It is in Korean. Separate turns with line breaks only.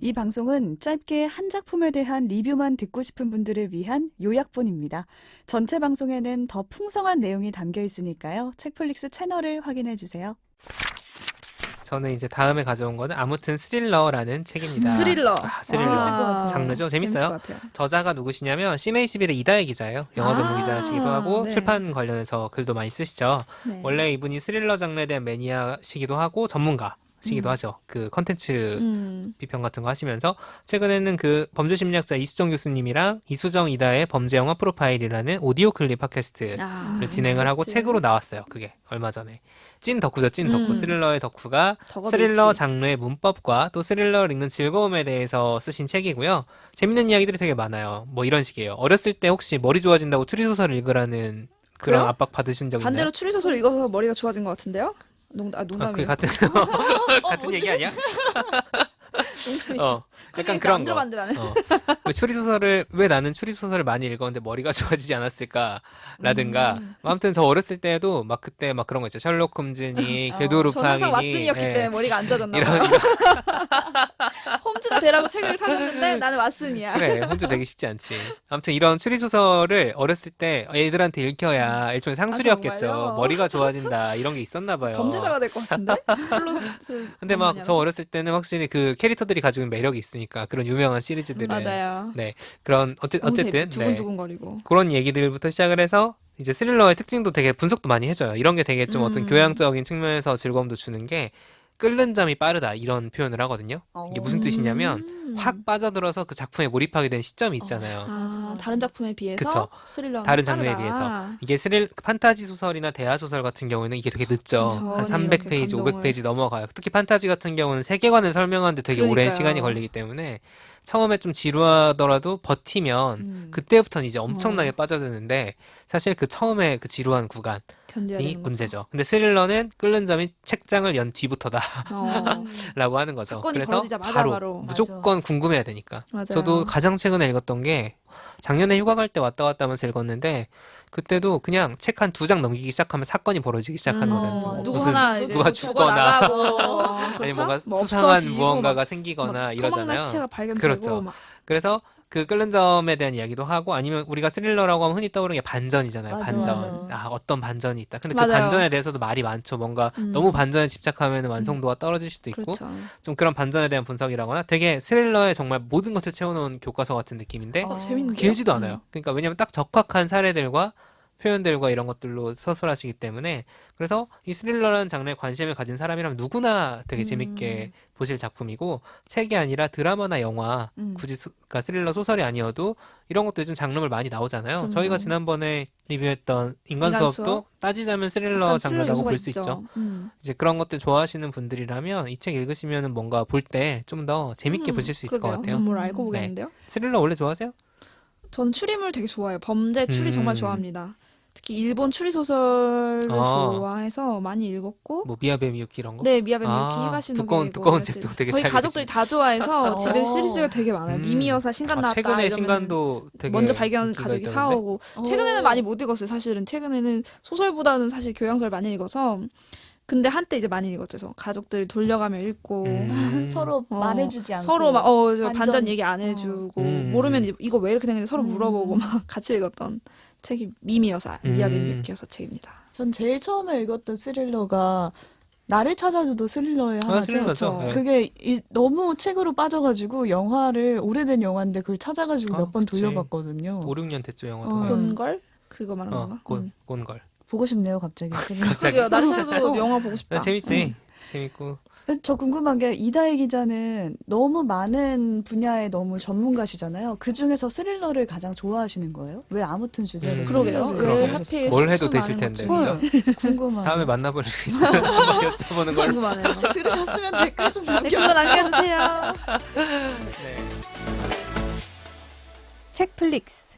이 방송은 짧게 한 작품에 대한 리뷰만 듣고 싶은 분들을 위한 요약본입니다. 전체 방송에는 더 풍성한 내용이 담겨 있으니까요. 책플릭스 채널을 확인해 주세요.
저는 이제 다음에 가져온 거는 아무튼 스릴러라는 책입니다.
스릴러.
스릴러.
재밌을 것 같아요.
장르죠? 재밌어요.
재밌을 것 같아요.
저자가 누구시냐면 CMA11의 이다혜 기자예요. 영어 전문 기자시기도 하고
네.
출판 관련해서 글도 많이 쓰시죠.
네.
원래 이분이 스릴러 장르에 대한 매니아시기도 하고 전문가시기도 하죠. 그 컨텐츠 비평 같은 거 하시면서 최근에는 그 범죄심리학자 이수정 교수님이랑 이수정 이다의 범죄영화 프로파일이라는 오디오 클립 팟캐스트를 진행을 하고
팟캐스트.
책으로 나왔어요. 그게 얼마 전에. 찐 덕후죠. 찐 덕후. 스릴러의 덕후가
덕업일치.
스릴러 장르의 문법과 또 스릴러를 읽는 즐거움에 대해서 쓰신 책이고요. 재밌는 이야기들이 되게 많아요. 뭐 이런 식이에요. 어렸을 때 혹시 머리 좋아진다고 추리소설을 읽으라는 그런
그래요?
압박 받으신 적
반대로
있나요?
추리소설 읽어서 머리가 좋아진 것 같은데요? 농담이에요.
그 같은 같은 얘기 아니야? 약간 그런
안
거.
들어봤는데 나는.
왜 추리소설을 왜 나는 추리소설을 많이 읽었는데 머리가 좋아지지 않았을까라든가. 아무튼 저 어렸을 때도 막 그때 막 그런 거 있죠. 셜록 홈즈니, 궤도
저는 항상
루팡이니.
왓슨이었기
예.
때문에 머리가 안 좋아졌나
이런
봐요. 홈즈가 되라고 책을 사줬는데 나는 왓슨이야.
그래, 혼자 되기 쉽지 않지. 아무튼 이런 추리소설을 어렸을 때 애들한테 읽혀야 일종의 상술이었겠죠.
정말요?
머리가 좋아진다 이런 게 있었나 봐요.
범죄자가 될 것 같은데? 플롯을
근데 막 저 어렸을 때는 확실히 그 캐릭터들이 가지고 있는 매력이 있으니까 그런 유명한 시리즈들은
맞아요.
네 그런
너무
어쨌든
재밌죠.
네,
두근두근거리고.
그런 얘기들부터 시작을 해서 이제 스릴러의 특징도 되게 분석도 많이 해줘요. 이런 게 되게 좀 어떤 교양적인 측면에서 즐거움도 주는 게 끓는 점이 빠르다 이런 표현을 하거든요. 이게 무슨 뜻이냐면 확 빠져들어서 그 작품에 몰입하게 된 시점이 있잖아요.
아, 다른 작품에 비해서
그쵸.
스릴러는
다른 장르에
빠르다.
비해서. 이게 판타지 소설이나 대하 소설 같은 경우에는 이게 되게 늦죠. 한
천천히
300페이지,
이렇게
500페이지 넘어가요. 특히 판타지 같은 경우는 세계관을 설명하는데 되게 오랜
그러니까요.
시간이 걸리기 때문에 처음에 좀 지루하더라도 버티면 그때부터는 이제 엄청나게 빠져드는데 사실 그 처음에 그 지루한 구간이
견뎌야 되는 거죠.
문제죠. 근데 스릴러는 끓는 점이 책장을 연 뒤부터다라고 하는 거죠.
사건이
그래서
벌어지자마자 바로.
무조건 궁금해야 되니까.
맞아요.
저도 가장 최근에 읽었던 게 작년에 휴가 갈 때 왔다 갔다 하면서 읽었는데 그때도 그냥 책 한 2장 넘기기 시작하면 사건이 벌어지기 시작하는 거잖아요.
누구
무슨
하나 이제
누가 죽거나
죽어나가고,
아니
그렇죠?
뭔가
뭐
수상한
없어지고,
무언가가
막
생기거나
토막난
이러잖아요.
시체가 발견되고
그렇죠.
막
그래서 그 끓는 점에 대한 이야기도 하고 아니면 우리가 스릴러라고 하면 흔히 떠오르는 게 반전이잖아요.
맞아,
반전.
맞아.
어떤 반전이 있다. 근데 그
맞아요.
반전에 대해서도 말이 많죠. 뭔가 너무 반전에 집착하면 완성도가 떨어질 수도 있고
그렇죠.
좀 그런 반전에 대한 분석이라거나 되게 스릴러에 정말 모든 것을 채워놓은 교과서 같은 느낌인데
재밌는데요?
길지도 않아요. 그러니까 왜냐면 딱 적확한 사례들과 표현들과 이런 것들로 서술하시기 때문에 그래서 이 스릴러라는 장르에 관심을 가진 사람이라면 누구나 되게 재밌게 보실 작품이고 책이 아니라 드라마나 영화 굳이 그러니까 스릴러 소설이 아니어도 이런 것도 요즘 장르물 많이 나오잖아요. 저희가 지난번에 리뷰했던 인간
인간
수업도
수업?
따지자면 스릴러
약간
장르라고
요소가
볼 수 있죠. 이제 그런 것들 좋아하시는 분들이라면 이 책 읽으시면은 뭔가 볼 때 좀 더 재밌게 보실 수 있을 것
그러게요.
같아요.
좀 뭘 알고 보겠는데요?
스릴러 원래 좋아하세요?
전 추리물 되게 좋아해요. 범죄 추리 정말 좋아합니다. 특히 일본 추리 소설을
아.
좋아해서 많이 읽었고
뭐 미야베 미유키 이런 거?
네, 미야베 미유키
아,
히가시노
두꺼운 책도 되게
저희
잘
가족들이 다 좋아해서 집에 시리즈가 되게 많아요.
음.
미미여사 신간 나왔다
최근에
이러면은
신간도 되게
먼저 발견
인기가
가족이
있다던데?
사오고 최근에는 많이 못 읽었어요. 사실은 최근에는 소설보다는 사실 교양서를 많이 읽어서 근데 한때 이제 많이 읽었죠. 그래서 가족들 돌려가며 읽고
서로
어,
말해주지 않고
서로 막 저
반전.
반전 얘기 안 해주고 모르면 이거 왜 이렇게 됐는지 서로 물어보고 막 같이 읽었던 책이 미미여사 미야베 미유키여사 책입니다.
전 제일 처음에 읽었던 스릴러가 나를 찾아줘도 스릴러의 하나죠.
스릴러죠. 네.
그게 너무 책으로 빠져가지고 영화를 오래된 영화인데 그걸 찾아가지고 몇 번
그치.
돌려봤거든요.
5, 6년 됐죠 영화도.
곤걸 그거 말하는 건가?
곤걸.
보고 싶네요, 갑자기. 스릴러.
갑자기.
그게요. 나를 찾아도 영화 보고 싶다.
재밌지. 재밌고.
저 궁금한 게 이다혜 기자는 너무 많은 분야에 너무 전문가시잖아요. 그 중에서 스릴러를 가장 좋아하시는 거예요? 왜 아무튼 주제로
그러게요.
스릴러를
왜
선택하셨어요?
하필
뭘 해도
수많은
되실
것
텐데,
중에.
그죠?
궁금하네요.
다음에 만나볼 일 있으면 한번 여쭤보는 걸.
궁금하네요.
혹시 들으셨으면 댓글 좀
댓글로
남겨주세요.
남겨주세요.
네.
책플릭스